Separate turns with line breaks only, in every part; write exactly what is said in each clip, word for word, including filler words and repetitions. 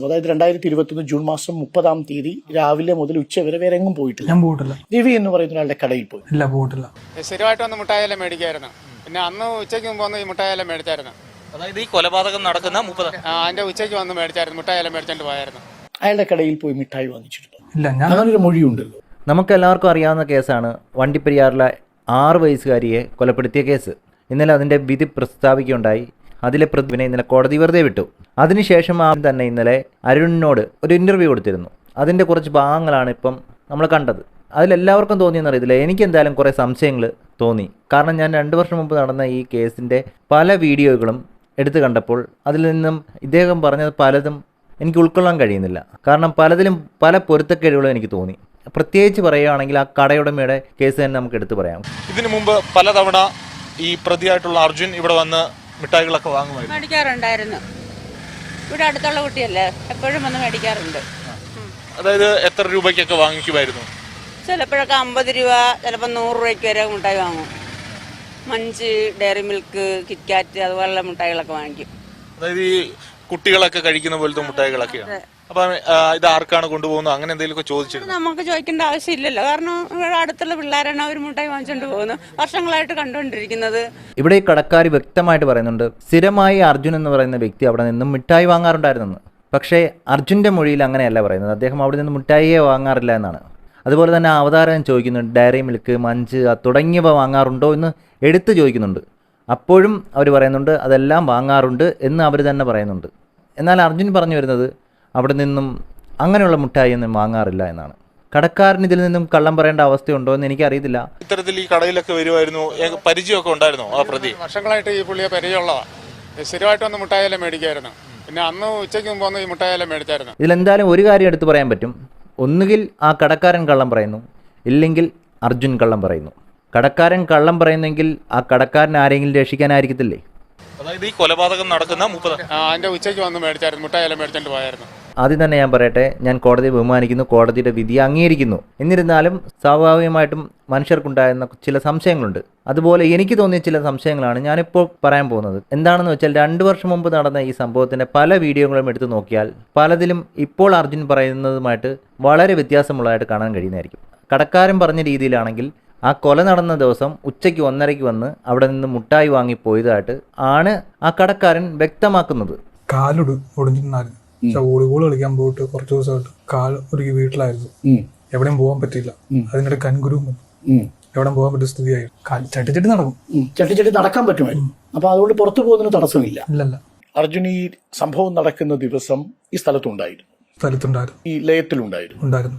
അതായത് രണ്ടായിരത്തി ഇരുപത്തൊന്ന് ജൂൺ മാസം മുപ്പതാം തീയതി രാവിലെ മുതൽ ഉച്ച വരെ വേറെ എങ്ങും പോയിട്ടില്ല.
ഞാൻ പോയിട്ടില്ല.
രവി എന്ന് പറയുന്ന ഒരാളുടെ കടയിൽ പോയി.
ഇല്ല, പോയിട്ടില്ല.
സ്ഥിരമായിട്ട് വന്ന് മുട്ടായെല്ലാം മേടിക്കായിരുന്നു. പിന്നെ അന്ന് ഉച്ചയ്ക്ക് മുമ്പ് വന്ന് ഈ മുട്ടായെല്ലാം മേടിച്ചായിരുന്നു.
അതായത് ഈ കൊലപാതകം നടക്കുന്ന മുപ്പത്
അതിന്റെ ഉച്ചയ്ക്ക് വന്ന് മേടിച്ചായിരുന്നു, മുട്ടായെല്ലാം മേടിച്ചോണ്ട് പോയായിരുന്നു.
അയാളുടെ കടയിൽ പോയി മിഠായി വാങ്ങിച്ചിട്ടുണ്ടോ?
ഇല്ല. ഞാൻ
അങ്ങനൊരു മൊഴിയുണ്ടല്ലോ.
നമുക്ക് എല്ലാവർക്കും അറിയാവുന്ന കേസാണ് വണ്ടിപ്പെരിയാറിലെ ആറ് വയസ്സുകാരിയെ കൊലപ്പെടുത്തിയ കേസ്. ഇന്നലെ അതിൻ്റെ വിധി പ്രസ്താവിക്കുകയുണ്ടായി. അതിലെ പ്രതിനെ ഇന്നലെ കോടതി വെറുതെ വിട്ടു. അതിനുശേഷം ആ തന്നെ ഇന്നലെ അരുണിനോട് ഒരു ഇൻ്റർവ്യൂ കൊടുത്തിരുന്നു. അതിൻ്റെ കുറച്ച് ഭാഗങ്ങളാണ് ഇപ്പം നമ്മൾ കണ്ടത്. അതിലെല്ലാവർക്കും തോന്നിയെന്ന് അറിയത്തില്ല, എനിക്ക് എന്തായാലും കുറേ സംശയങ്ങൾ തോന്നി. കാരണം ഞാൻ രണ്ട് വർഷം മുമ്പ് നടന്ന ഈ കേസിൻ്റെ പല വീഡിയോകളും എടുത്തു കണ്ടപ്പോൾ അതിൽ നിന്നും ഇദ്ദേഹം പറഞ്ഞത് പലതും എനിക്ക് ഉൾക്കൊള്ളാൻ കഴിയുന്നില്ല. കാരണം പലതിലും പല പൊരുത്തക്കേടുകളും എനിക്ക് തോന്നി. പ്രത്യേകിച്ച് പറയുകയാണെങ്കിൽ ആ കടയുടമയുടെ കേസ് തന്നെ നമുക്ക് എടുത്തു പറയാം.
ഇതിനു മുമ്പ് പലതവണ ഈ പ്രതിയായിട്ടുള്ള അർജുൻ ഇവിടെ വന്ന് മിഠായികളൊക്കെ വാങ്ങുമായിരുന്നു.
മേടിക്കാറുണ്ടായിരുന്നു. ഇവിടെ അടുത്തുള്ള കുട്ടിയല്ലേ, എപ്പോഴും വന്ന് മേടിക്കാറുണ്ട്.
അതായത് എത്ര രൂപയ്ക്കൊക്കെ വാങ്ങിക്കുമായിരുന്നു?
ചിലപ്പോഴൊക്കെ അമ്പത് രൂപ, ചിലപ്പോൾ നൂറ് രൂപയ്ക്ക് വരെ മിഠായി വാങ്ങും. മഞ്ച്, ഡയറി മിൽക്ക്, കിറ്റ്കാറ്റ് അതുപോലുള്ള മിഠായികളൊക്കെ വാങ്ങിക്കും.
അതായത് ഈ കുട്ടികളൊക്കെ കഴിക്കുന്ന പോലത്തെ മിഠായികളൊക്കെയാണ്. അപ്പൊ ഇത് ആർക്കാണ് കൊണ്ടുപോകുന്നത്, അങ്ങനെ എന്തെങ്കിലുമൊക്കെ ചോദിച്ചിരുന്നു?
നമുക്ക് ചോദിക്കേണ്ട ആവശ്യമില്ലല്ലോ. കാരണം ഇവിടെ അടുത്തുള്ള പിള്ളേരാണ് അവർ മിഠായി വാങ്ങിച്ചുകൊണ്ട് പോകുന്നത്, വർഷങ്ങളായിട്ട് കണ്ടുകൊണ്ടിരിക്കുന്നത്.
ഇവിടെ ഈ കടക്കാർ വ്യക്തമായിട്ട് പറയുന്നുണ്ട്, സ്ഥിരമായി അർജുൻ എന്ന് പറയുന്ന വ്യക്തി അവിടെ നിന്നും മിഠായി വാങ്ങാറുണ്ടായിരുന്നെന്ന്. പക്ഷേ അർജുൻ്റെ മൊഴിയിൽ അങ്ങനെയല്ല പറയുന്നത്. അദ്ദേഹം അവിടെ നിന്ന് മിഠായിയെ വാങ്ങാറില്ല എന്നാണ്. അതുപോലെ തന്നെ അവതാരം ചോദിക്കുന്നുണ്ട്, ഡയറി മിൽക്ക്, മഞ്ച് തുടങ്ങിയവ വാങ്ങാറുണ്ടോ എന്ന് എടുത്ത് ചോദിക്കുന്നുണ്ട്. അപ്പോഴും അവർ പറയുന്നുണ്ട് അതെല്ലാം വാങ്ങാറുണ്ട് എന്ന് അവർ തന്നെ പറയുന്നുണ്ട്. എന്നാൽ അർജുൻ പറഞ്ഞു വരുന്നത് അവിടെ നിന്നും അങ്ങനെയുള്ള മിഠായി ഒന്നും വാങ്ങാറില്ല എന്നാണ്. കടക്കാരൻ ഇതിൽ നിന്നും കള്ളം പറയേണ്ട അവസ്ഥയുണ്ടോ എന്ന് എനിക്കറിയത്തില്ല.
ഇത്തരത്തിൽ ഈ കടയിലൊക്കെ വരുമായിരുന്നു, പരിചയമൊക്കെ ഉണ്ടായിരുന്നോ ആ പ്രതി?
വർഷങ്ങളായിട്ട് ഈ പുള്ളിയെ പരിചയമുള്ളതാ. സ്ഥിരമായിട്ട് വന്ന് മുട്ടായെല്ലാം മേടിക്കായിരുന്നു. പിന്നെ അന്ന് ഉച്ചയ്ക്ക് മുമ്പ് വന്ന് ഈ മുട്ടായെല്ലാം മേടിച്ചായിരുന്നു.
ഇതിലെന്തായാലും ഒരു കാര്യം എടുത്ത് പറയാൻ പറ്റും. ഒന്നുകിൽ ആ കടക്കാരൻ കള്ളം പറയുന്നു, ഇല്ലെങ്കിൽ അർജുൻ കള്ളം പറയുന്നു. കടക്കാരൻ കള്ളം പറയുന്നെങ്കിൽ ആ കടക്കാരൻ ആരെങ്കിലും രക്ഷിക്കാനായിരിക്കത്തില്ലേ?
അതായത് ഈ കൊലപാതകം നടക്കുന്ന മുപ്പത്
അതിന്റെ ഉച്ചയ്ക്ക് വന്ന് മേടിച്ചായിരുന്നു, മുട്ടായെല്ലാം മേടിച്ചോണ്ട് പോയായിരുന്നു.
ആദ്യം തന്നെ ഞാൻ പറയട്ടെ, ഞാൻ കോടതിയെ ബഹുമാനിക്കുന്നു, കോടതിയുടെ വിധി അംഗീകരിക്കുന്നു. എന്നിരുന്നാലും സ്വാഭാവികമായിട്ടും മനുഷ്യർക്കുണ്ടായിരുന്ന ചില സംശയങ്ങളുണ്ട്. അതുപോലെ എനിക്ക് തോന്നിയ ചില സംശയങ്ങളാണ് ഞാനിപ്പോൾ പറയാൻ പോകുന്നത്. എന്താണെന്ന് വെച്ചാൽ രണ്ട് വർഷം മുമ്പ് നടന്ന ഈ സംഭവത്തിൻ്റെ പല വീഡിയോകളും എടുത്തു നോക്കിയാൽ പലതിലും ഇപ്പോൾ അർജുൻ പറയുന്നതുമായിട്ട് വളരെ വ്യത്യാസമുള്ളതായിട്ട് കാണാൻ കഴിയുന്നതായിരിക്കും. കടക്കാരൻ പറഞ്ഞ രീതിയിലാണെങ്കിൽ ആ കൊല നടന്ന ദിവസം ഉച്ചയ്ക്ക് ഒന്നരയ്ക്ക് വന്ന് അവിടെ നിന്ന് മുട്ടായി വാങ്ങിപ്പോയതായിട്ട് ആണ് ആ കടക്കാരൻ വ്യക്തമാക്കുന്നത്.
കാലൊട് ഒടിഞ്ഞിട്ടുണ്ടായിരുന്നു. വോളിബോൾ കളിക്കാൻ പോയിട്ട് കുറച്ച് ദിവസമായിട്ട് കാൽ ഒരു വീട്ടിലായിരുന്നു. എവിടെയും പോകാൻ പറ്റില്ല. അതിനിടെ കൻകുരുവും എവിടെയും പോകാൻ പറ്റിയ സ്ഥിതിയായി. ചട്ടിച്ചട്ടി നടക്കും,
ചട്ടിച്ചട്ടി നടക്കാൻ പറ്റുമായിരുന്നു. അപ്പൊ അതുകൊണ്ട് പുറത്തു പോകുന്നതിന് തടസ്സമില്ല.
ഇല്ലല്ല.
അർജുൻ ഈ സംഭവം നടക്കുന്ന ദിവസം ഈ സ്ഥലത്തുണ്ടായിരുന്നു,
സ്ഥലത്തുണ്ടായിരുന്നു,
ഈ ലയത്തിലുണ്ടായിരുന്നു
ഉണ്ടായിരുന്നു.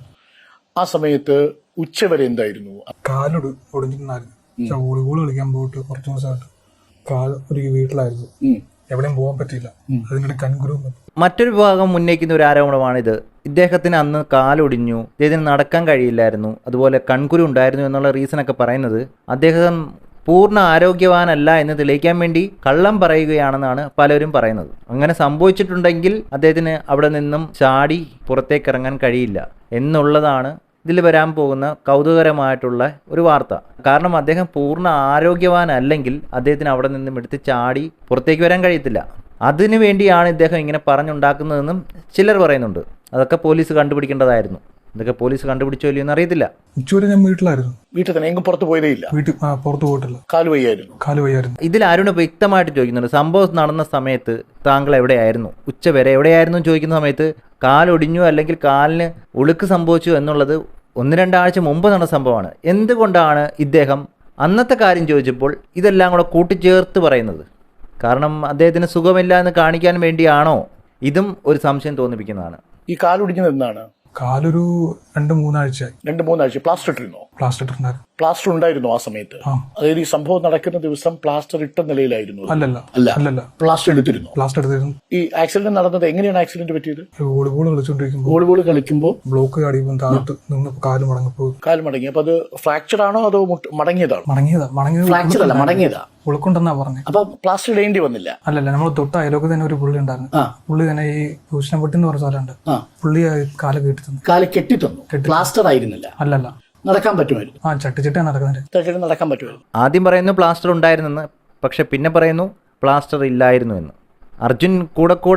ആ സമയത്ത് ഉച്ചവരെ എന്തായിരുന്നു?
കാലൊട് ഒടിഞ്ഞിട്ടുണ്ടായിരുന്നു. വോളിബോൾ കളിക്കാൻ പോയിട്ട് കുറച്ച് ദിവസമായിട്ട് കാൽ ഒരു വീട്ടിലായിരുന്നു. എവിടെയും പോകാൻ പറ്റില്ല. അതിനിടെ കൻകുരുവും.
മറ്റൊരു ഭാഗം ഉന്നയിക്കുന്ന ഒരു ആരോപണമാണിത്. ഇദ്ദേഹത്തിന് അന്ന് കാലൊടിഞ്ഞു, ഇദ്ദേഹത്തിന് നടക്കാൻ കഴിയില്ലായിരുന്നു, അതുപോലെ കൺകുരു ഉണ്ടായിരുന്നു എന്നുള്ള റീസണൊക്കെ പറയുന്നത് അദ്ദേഹം പൂർണ്ണ ആരോഗ്യവാനല്ല എന്ന് തെളിയിക്കാൻ വേണ്ടി കള്ളം പറയുകയാണെന്നാണ് പലരും പറയുന്നത്. അങ്ങനെ സംഭവിച്ചിട്ടുണ്ടെങ്കിൽ അദ്ദേഹത്തിന് അവിടെ നിന്നും ചാടി പുറത്തേക്ക് ഇറങ്ങാൻ കഴിയില്ല എന്നുള്ളതാണ് ഇതിൽ വരാൻ പോകുന്ന കൗതുകകരമായിട്ടുള്ള ഒരു വാർത്ത. കാരണം അദ്ദേഹം പൂർണ്ണ ആരോഗ്യവാനല്ലെങ്കിൽ അദ്ദേഹത്തിന് അവിടെ നിന്നും എടുത്ത് ചാടി പുറത്തേക്ക് വരാൻ കഴിയത്തില്ല. അതിനു വേണ്ടിയാണ് ഇദ്ദേഹം ഇങ്ങനെ പറഞ്ഞുണ്ടാക്കുന്നതെന്നും ചിലർ പറയുന്നുണ്ട്. അതൊക്കെ പോലീസ് കണ്ടുപിടിക്കേണ്ടതായിരുന്നു. ഇതൊക്കെ പോലീസ് കണ്ടുപിടിച്ചോ ഇല്ലയോ എന്ന് അറിയത്തില്ല.
ഉച്ചവരെ ഞാൻ വീട്ടിലായിരുന്നു.
വീട്ടിൽ തന്നെ എങ്ങും പുറത്ത് പോയതേ ഇല്ല.
വീട്ടിൽ പുറത്ത് പോയിട്ടില്ല.
കാലുവയ്യായിരുന്നു.
കാലുവയ്യായിരുന്നു.
ഇതിൽ അരുണ് വ്യക്തമായിട്ട് ചോദിക്കുന്നുണ്ട്, സംഭവം നടന്ന സമയത്ത് താങ്കൾ എവിടെയായിരുന്നു, ഉച്ചവരെ എവിടെയായിരുന്നു ചോദിക്കുന്ന സമയത്ത് കാലൊടിഞ്ഞു അല്ലെങ്കിൽ കാലിന് ഉളുക്ക് സംഭവിച്ചു എന്നുള്ളത് ഒന്ന് രണ്ടാഴ്ച മുമ്പ് നടന്ന സംഭവമാണ്. എന്തുകൊണ്ടാണ് ഇദ്ദേഹം അന്നത്തെ കാര്യം ചോദിച്ചപ്പോൾ ഇതെല്ലാം കൂടെ കൂട്ടിച്ചേർത്ത് പറയുന്നത്? കാരണം അദ്ദേഹത്തിന് സുഖമില്ല എന്ന് കാണിക്കാൻ വേണ്ടിയാണോ? ഇതും ഒരു സംശയം തോന്നിപ്പിക്കുന്നതാണ്.
ഈ കാലൊടിഞ്ഞത് എന്താണ്?
കാലൊരു രണ്ട് മൂന്നാഴ്ചയായി.
രണ്ട് മൂന്നാഴ്ച പ്ലാസ്റ്റർ ഇട്ടിരുന്നോ?
പ്ലാസ്റ്റർ ഇട്ടിട്ടുണ്ടായിരുന്നു.
പ്ലാസ്റ്റർ ഉണ്ടായിരുന്നു ആ സമയത്ത്? അതായത് ഈ സംഭവം നടക്കുന്ന ദിവസം പ്ലാസ്റ്റർ ഇട്ട നിലയിലായിരുന്നു?
അല്ലല്ല.
അല്ല
അല്ലല്ല.
പ്ലാസ്റ്റർ എടുത്തിരുന്നു.
പ്ലാസ്റ്റർ എടുത്തിരുന്നു.
ഈ ആക്സിഡന്റ് നടന്നത് എങ്ങനെയാണ് ആക്സിഡന്റ് പറ്റിയത്?
വോളിബോൾ കളിച്ചോണ്ടിരിക്കുമ്പോൾ
വോളിബോൾ കളിക്കുമ്പോൾ
ബ്ലോക്ക് ചാടിയപ്പോൾ താഴത്ത് നിന്ന് കാല് മടങ്ങിപ്പോയി.
കാല് മടങ്ങി. അപ്പൊ അത് ഫ്രാക്ചർ ആണോ അതോ മടങ്ങിയതാണോ?
മടങ്ങിയതാ. മടങ്ങിയത്
ഫ്രാക്ചർ അല്ല, മടങ്ങിയതാ.
ഉളുക്കുണ്ടെന്നാ പറഞ്ഞത്.
അപ്പൊ പ്ലാസ്റ്റർ ഇടേണ്ടി വന്നില്ല?
അല്ലല്ല. നമ്മൾ തൊട്ട് അയലോക്ക് തന്നെ ഒരു പുള്ളി ഉണ്ടായിരുന്നു. പുള്ളി തന്നെ ഈ ഭൂഷണപ്പെട്ടി എന്ന് പറഞ്ഞ സ്ഥലമുണ്ട്. പുള്ളി കാല് കെട്ടി തന്നു.
കാല് കെട്ടി തന്നു. പ്ലാസ്റ്റർ ആയിരുന്നില്ല?
അല്ലല്ല.
നടക്കാൻ പറ്റുമായിരുന്നു.
ആ ചട്ടിച്ചിട്ടാണ് നടക്കുന്നത്.
നടക്കാൻ പറ്റുമായിരുന്നു.
ആദ്യം പറയുന്നു പ്ലാസ്റ്റർ ഉണ്ടായിരുന്നെന്ന്, പക്ഷെ പിന്നെ പറയുന്നു പ്ലാസ്റ്റർ ഇല്ലായിരുന്നു എന്ന്. അർജുൻ കൂടെ കൂടെ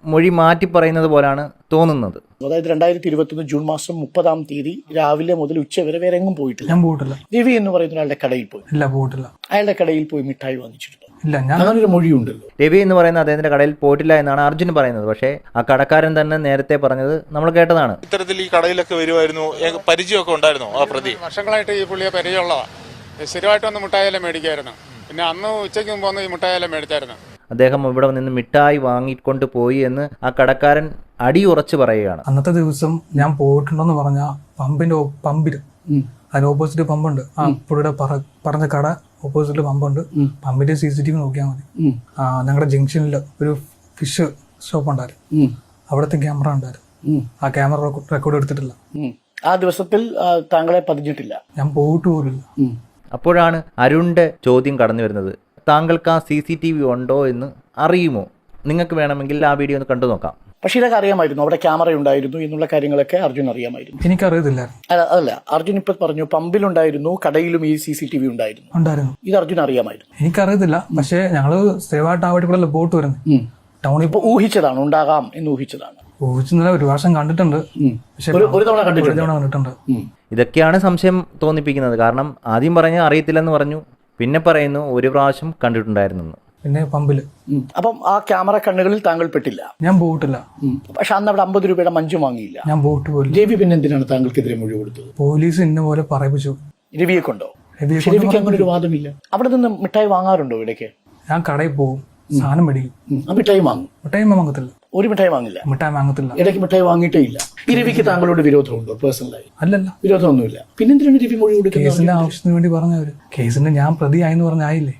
മൊഴി മാറ്റി പറയുന്നത് പോലാണ് തോന്നുന്നത്.
അതായത് രണ്ടായിരത്തി ഇരുപത്തൊന്ന് ജൂൺ മാസം മുപ്പതാം തീയതി രാവിലെ മുതൽ ഉച്ച വരെ വേറെ എങ്ങും പോയിട്ടില്ല.
ഞാൻ പോയിട്ടില്ല.
രവി എന്ന് പറയുന്ന ഒരാളുടെ കടയിൽ പോയി.
ഇല്ല, പോയിട്ടില്ല.
അയാളുടെ കടയിൽ പോയി മിഠായി വാങ്ങിച്ചിട്ടുണ്ടോ?
ഇല്ല. ഞാൻ
അങ്ങനൊരു മൊഴിയുണ്ടല്ലോ.
രവി എന്ന് പറയുന്ന അദ്ദേഹത്തിന്റെ കടയിൽ പോയിട്ടില്ല എന്നാണ് അർജുൻ പറയുന്നത്. പക്ഷേ ആ കടക്കാരൻ തന്നെ നേരത്തെ പറഞ്ഞത് നമ്മൾ കേട്ടതാണ്.
ഇത്തരത്തിൽ ഈ കടയിലൊക്കെ വരുമായിരുന്നു, പരിചയമൊക്കെ ഉണ്ടായിരുന്നോ ആ പ്രതി?
വർഷങ്ങളായിട്ട് ഈ പുള്ളിയെ പരിചയമുള്ളതാണ്. സ്ഥിരമായിട്ട് വന്ന് മുട്ടായെല്ലാം മേടിക്കായിരുന്നു. പിന്നെ അന്ന് ഉച്ചയ്ക്ക് മുമ്പ് വന്ന് ഈ മുട്ടായെല്ലാം മേടിച്ചായിരുന്നു.
അദ്ദേഹം ഇവിടെ നിന്ന് മിഠായി വാങ്ങിക്കൊണ്ട് പോയി എന്ന് ആ കടക്കാരൻ അടിയുറച്ച് പറയുകയാണ്.
അന്നത്തെ ദിവസം ഞാൻ പോയിട്ടുണ്ടെന്ന് പറഞ്ഞ പമ്പിന്റെ പമ്പില് അതിന് ഓപ്പോസിറ്റ് പമ്പുണ്ട്. ആ പുള്ളിയുടെ പറഞ്ഞ കട ഓപ്പോസിറ്റ് പമ്പുണ്ട്. പമ്പിന്റെ സി സി ടി വി നോക്കിയാൽ മതി. ആ ഞങ്ങളുടെ ജംഗ്ഷനിൽ ഒരു ഫിഷ് ഷോപ്പ് ഉണ്ടായിരുന്നു. അവിടുത്തെ ക്യാമറ ഉണ്ടായിരുന്നു. ആ ക്യാമറ റെക്കോർഡ് എടുത്തിട്ടില്ല.
ആ ദിവസത്തിൽ താങ്കളെ പതിഞ്ഞിട്ടില്ല.
ഞാൻ പോയിട്ട് പോലില്ല.
അപ്പോഴാണ് അരുണിന്റെ ചോദ്യം കടന്നു വരുന്നത്. താങ്കൾക്ക് ആ സി സി ടി വി ഉണ്ടോ എന്ന് അറിയുമോ? നിങ്ങൾക്ക് വേണമെങ്കിൽ ആ വീഡിയോ ഒന്ന് കണ്ടു നോക്കാം.
പക്ഷെ ഇതൊക്കെ അറിയാമായിരുന്നു, അവിടെ ക്യാമറ ഉണ്ടായിരുന്നു എന്നുള്ള കാര്യങ്ങളൊക്കെ അർജുൻ അറിയാമായിരുന്നു.
എനിക്കറിയത്തില്ല.
അതല്ല, അർജുൻ ഇപ്പൊ പറഞ്ഞു പമ്പിലുണ്ടായിരുന്നു, കടയിലും ഈ സി സി ടി വി ഉണ്ടായിരുന്നു.
ഉണ്ടായിരുന്നു.
ഇത് അർജുൻ അറിയാമായിരുന്നു.
എനിക്കറിയത്തില്ല. പക്ഷെ ഞങ്ങള് സ്ഥിരമായിട്ട് ആ വഴി കൂടെ ബോട്ട് വരുന്നത്. ടൗണിൽ
ഇപ്പൊ ഊഹിച്ചതാണ്, ഉണ്ടാകാം എന്ന് ഊഹിച്ചതാണ്.
ഊഹിച്ചെന്നല്ല, ഒരു വർഷം കണ്ടിട്ടുണ്ട്. പക്ഷെ
ഒരു തവണ കണ്ടിട്ടുണ്ട്.
കണ്ടിട്ടുണ്ട്.
ഇതൊക്കെയാണ് സംശയം തോന്നിപ്പിക്കുന്നത്. കാരണം ആദ്യം പറഞ്ഞ അറിയത്തില്ലെന്ന് പറഞ്ഞു, പിന്നെ പറയുന്നു ഒരു പ്രാവശ്യം കണ്ടിട്ടുണ്ടായിരുന്നു.
പിന്നെ പമ്പില്.
അപ്പം ആ ക്യാമറ കണ്ണുകളിൽ താങ്കൾ പെട്ടില്ല.
ഞാൻ പോയിട്ടില്ല.
പക്ഷെ അന്ന് അവിടെ അമ്പത് രൂപയുടെ മഞ്ചു വാങ്ങിയില്ല.
ഞാൻ പോയിട്ട് പോയില്ല.
രവി പിന്നെ എന്തിനാണ് താങ്കൾക്കെതിരെ മൊഴി കൊടുത്തത്?
പോലീസ് ഇന്ന പോലെ പറയിപ്പിച്ചു.
രവിയെ കൊണ്ടോ? രവിക്ക് അങ്ങനെ ഒരു വാദമില്ല. അവിടെ നിന്ന് മിഠായി വാങ്ങാറുണ്ടോ ഇടയ്ക്ക്?
ഞാൻ കടയിൽ പോകും, സാധനം മേടിക്കും,
ആ മിഠായി വാങ്ങും.
മിഠായി വാങ്ങത്തില്ല.
ഒരു മിഠായി വാങ്ങില്ല.
മിഠായി വാങ്ങത്തില്ല.
ഇടയ്ക്ക് മിഠായി വാങ്ങിയിട്ടേ ഇല്ല. ഈ രവിക്ക് താങ്കളോട് വിരോധമുണ്ടോ പേഴ്സണലായി?
അല്ലല്ല,
വിരോധമൊന്നുമില്ല. പിന്നെന്തിനാണ് രവി മൊഴി കൊടുക്കുന്നത്?
കേസിന്റെ ആവശ്യത്തിന് വേണ്ടി പറഞ്ഞവര്. കേസിന്റെ ഞാൻ പ്രതിയായെന്ന് പറഞ്ഞായില്ലേ.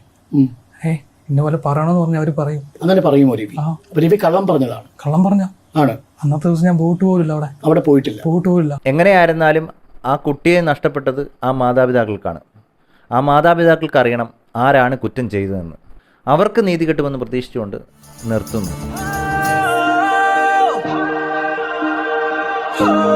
ഏ ഇന്ന പോലെ പറയണമെന്ന് പറഞ്ഞ അവര് പറയും.
അങ്ങനെ പറയുമോ രവി? അപ്പൊ രവി കള്ളം പറഞ്ഞതാണ്.
കള്ളം പറഞ്ഞ
ആണ്.
അന്നത്തെ ദിവസം ഞാൻ പോയിട്ട് പോലില്ല. അവിടെ
അവിടെ പോയിട്ടില്ല.
പോയിട്ട് പോലില്ല.
എങ്ങനെയായിരുന്നാലും ആ കുട്ടിയെ നഷ്ടപ്പെട്ടത് ആ മാതാപിതാക്കൾക്കാണ്. ആ മാതാപിതാക്കൾക്ക് അറിയണം ആരാണ് കുറ്റം ചെയ്തതെന്ന്. അവർക്ക് നീതി കിട്ടുമെന്ന് പ്രതീക്ഷിച്ചുകൊണ്ട് നിർത്തുന്നു.